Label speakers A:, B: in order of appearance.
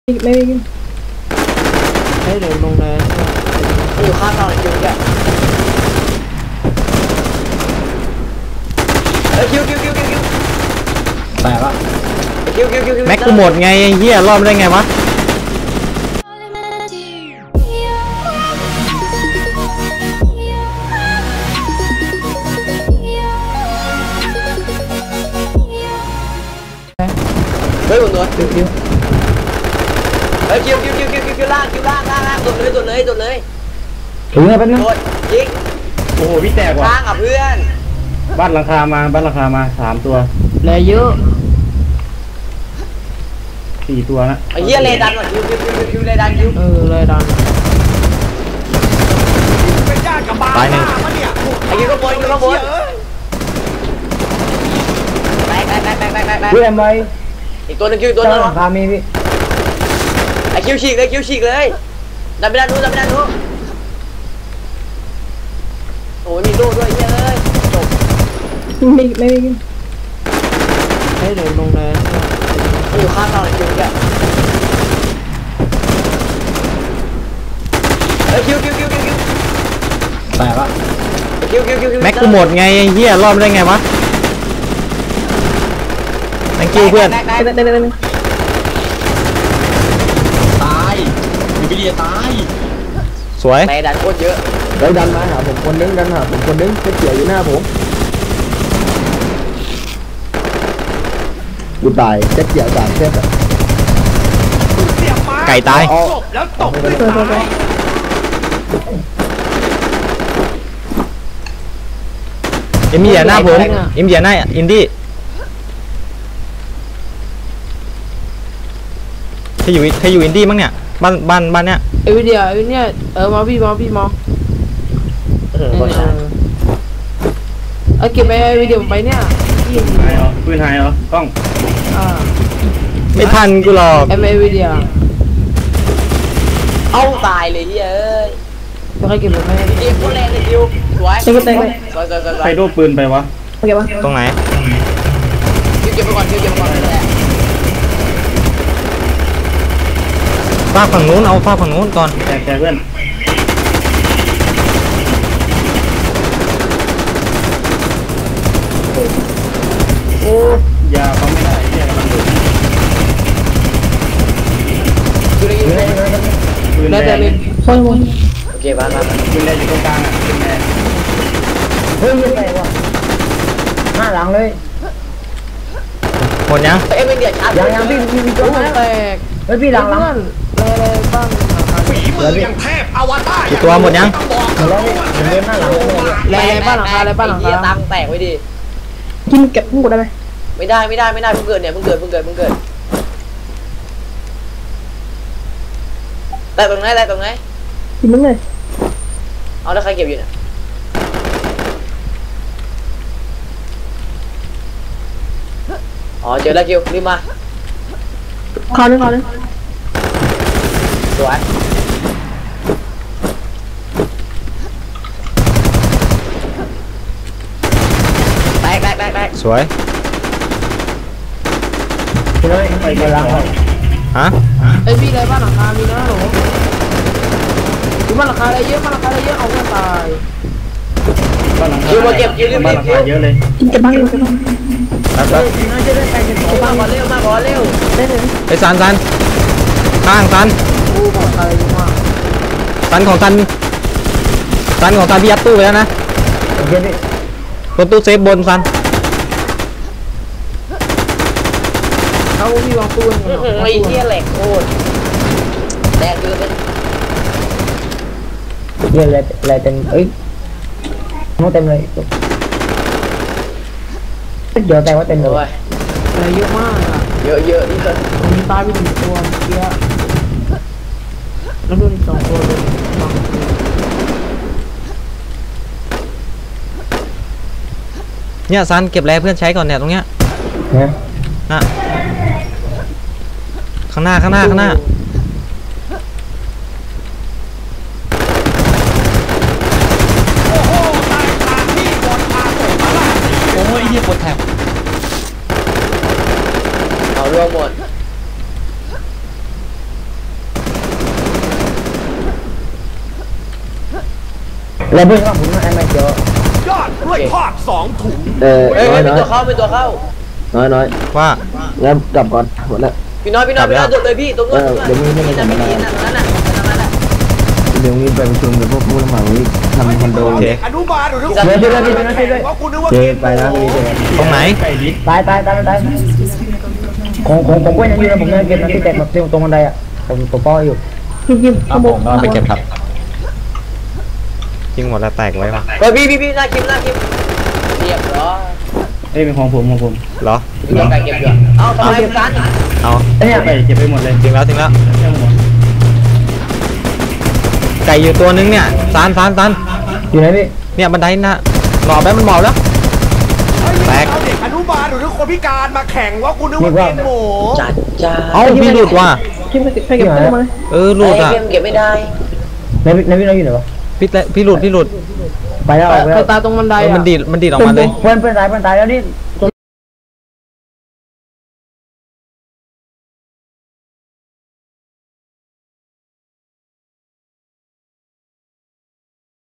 A: ไม่ให้เดินลงเลยอยู่ข้างเราคิวแกคิว
B: แต่ว่า
A: คิว
B: แม็กกูหมดไงไอ้เหี้ยรอบได้ไงวะ
A: เฮ้ยบนตัวคิวเฮ้ยคิวล่างโดดเลย
B: ถึงแล้วแป๊บนึง
A: โดดยิง
B: โอ้โหพี่แตกว่ะ
A: ล่างอ่ะเพื่อน
B: บ้านราคามา3 ตัว
A: เลยเยอะ
B: 4 ตัวนะ
A: ไอ้เหี้ยเลยดันว่ะคิวเลยดันเลยดัน
B: ตายหนึ่ง
A: ไอ้คิวก็บนแบก
B: เพื่อนไป
A: อีกตัวนึงคิวตัวนึง
B: ราคามีพี่
A: ไอ้คิวฉีกเลยดันไปด้านนู้นโอ้ยมีลูกด้วยเฮ้ยจบไม่ให้เดินลงเลยอยู่ข้างเราคิวแกคิว
B: แต่ว่า
A: คิว
B: แม็กกูหมดไงไอ้เหี้ยรอบได้ไงวะ thank you เพื่อน
C: ตายอยู่ไปเดียตาย
B: สวย
A: ในดันโคตรเยอะ
B: แล้วดันมาหาผมคนนึงเสียอยู่หน้าผมกูตายเสียจากเสียไก่ตาย
C: แล้วตกด้วยตาย
B: เอ็มอย่าหน้าผมเอ็มอย่าหน้าอินดี้ใครอยู่อินดี้มั้งเนี่ยบ้านเนี่ย
A: ไอวิเดียเนี่ยมาพี่มองเก็บไปวิดีโอไปเนี่ย
B: ปืนหายเหรอกล้อง
A: ไม่
B: ทันกูหรอก
A: เวิดีโอเอาตายเลยเฮ้ยไม่ค่อยเก็บเลยไม่เก็บคนแรงเลยคิวสวย
B: ใครโดนปืนไปวะตรงไหน
A: เก็บไปก่อน
B: ฟาฝั่งนู้นเอาฟาฝั่งนู้นก่อนแกเพื่อนโอ้ยาเขาไม่ได้แกกำลังปืนแดง
A: โอเคบ้าน
B: ปืนแดงอยู่ตรงกลางอ่ะปืนแดง
A: เฮ้ยยังไงวะหน้าหลังเลย
B: หมดยัง
A: ไม่เดือดชาร์จยังพี่ตัวแตกเฮ้ยพี่หลังเลยบ้าง
C: ฝีมือยังเทพอวตาร
B: กี่ตัวหมดยัง
A: เดินหน้าหลังบ้านหลังคาตังแตกไว้ดิ
D: กินเก็บหมดได้ไหม
A: ไม่ได้เพิ่งเกิดเนี่ยเพิ่งเกิดแต่ตรงไหน
D: กินมึงเลย
A: เอาแล้วใครเก็บอยู่เนี่ยอ๋อเจอแล้วคิวรีบมา
D: ขอหนึ่ง
A: สวยแตก
B: สวย
A: ไปกำลัง
B: ฮะ
A: ไอพี่อะไรบ้านหลังคามีนะหนูบ้านหลังคาอะไรเยอะเอาเงินตายคิวมาเก็บคิวรีบ
B: เยอะเลย
D: กินเก็บบ้าง
A: น่าจะได้ไปกันมาก่อนเร็ว
D: ได้เลย
B: ไปซันข้างซันของซันพี่ยัดตู้ไปแล้วนะตู้เซฟบนซัน
A: เขาพี่วางตู้ไอ้เหี้ยแหลกโคตรแดงเยอะเลย
D: เยอะเลยเต็มน้องเต็มเลยเดี๋ยวแต่ว่าเต็มเลย
A: อะไรเยอะมากอ่ะเยอะนี่ก็มีตายไป1 ตัวเยอะแล้วโดน2 ตัวเลย
B: เนี่ยซันเก็บแร่เพื่อนใช้ก่อนเนี่ยตรงเนี้ยนะข้างหน้า
C: โอ้ยเหี้ยปวดแถบ
A: เอารวมหมด
D: แล้วเพื่อนว่าผมไอ้ไม่เจอย
E: อดกล้วยทอด2 ถุง
A: เฮ้ยเป็นตัวเข้าเป็นตัวเข้า
F: น้อย
G: ว่า
F: แล้วกลับก่อนหมดแล้ว
A: พี่น้อยโดดเลยพี่ตรงนู้นพี่นั่นนั่น
F: เดี๋ยวนี้ไปประชุมกับพวกผู้รับเหมาที่ทำคอนโด
G: โอเค
E: อนุบาลหรือ
D: เดี๋ยว
E: ว่ากูนึกว่า
F: เจ
E: กิน
F: ไปนะพี่เจ
G: ตรงไหน
D: ตายของก็ยังอยู่นะผมยังเก็บนะที่แตกแบบตรงบันไดอ่ะผมป้ออยู่
C: ครับผมก็ไปเก็บครับ
G: จริงหมดแล้วแตกไว้ปะ
A: เฮ้ยพี่หน้าคิมเรียบร้อย
B: เอ้ยเป็นของผม
G: เหรอ
A: พี่ต้องการเก็บอยู่เอาทำไมกัน
G: เอา
D: เนี่ย
B: ไปเก็บไปหมดเลย
G: จริงแล้ว
B: เรื่องหมด
G: ไก่อยู่ตัวนึงเนี่ยซาน
D: อยู่ไหนพี่
G: เนี่ยบันไดน่ะหมอบแล้วมันหมอบแล้ว แตก
E: เอาเด็กอนุบาลหรือคนพิการมาแข่งว่ากูนึกว่ากินหมู
A: จัดจ้า
G: เอ้าพี่หลุดว่ะ
D: ที่ไม่เก็บตู้มา
G: หลุดอ่ะ
A: เก็บไม่ได้
D: ในพี่เราอยู่ไหนวะ
G: พี่หลุด
D: ไปแล้ว
A: ตาตรงบันได
G: มันดีดออกมาเลย
D: เพื่อนตายแล้วนี่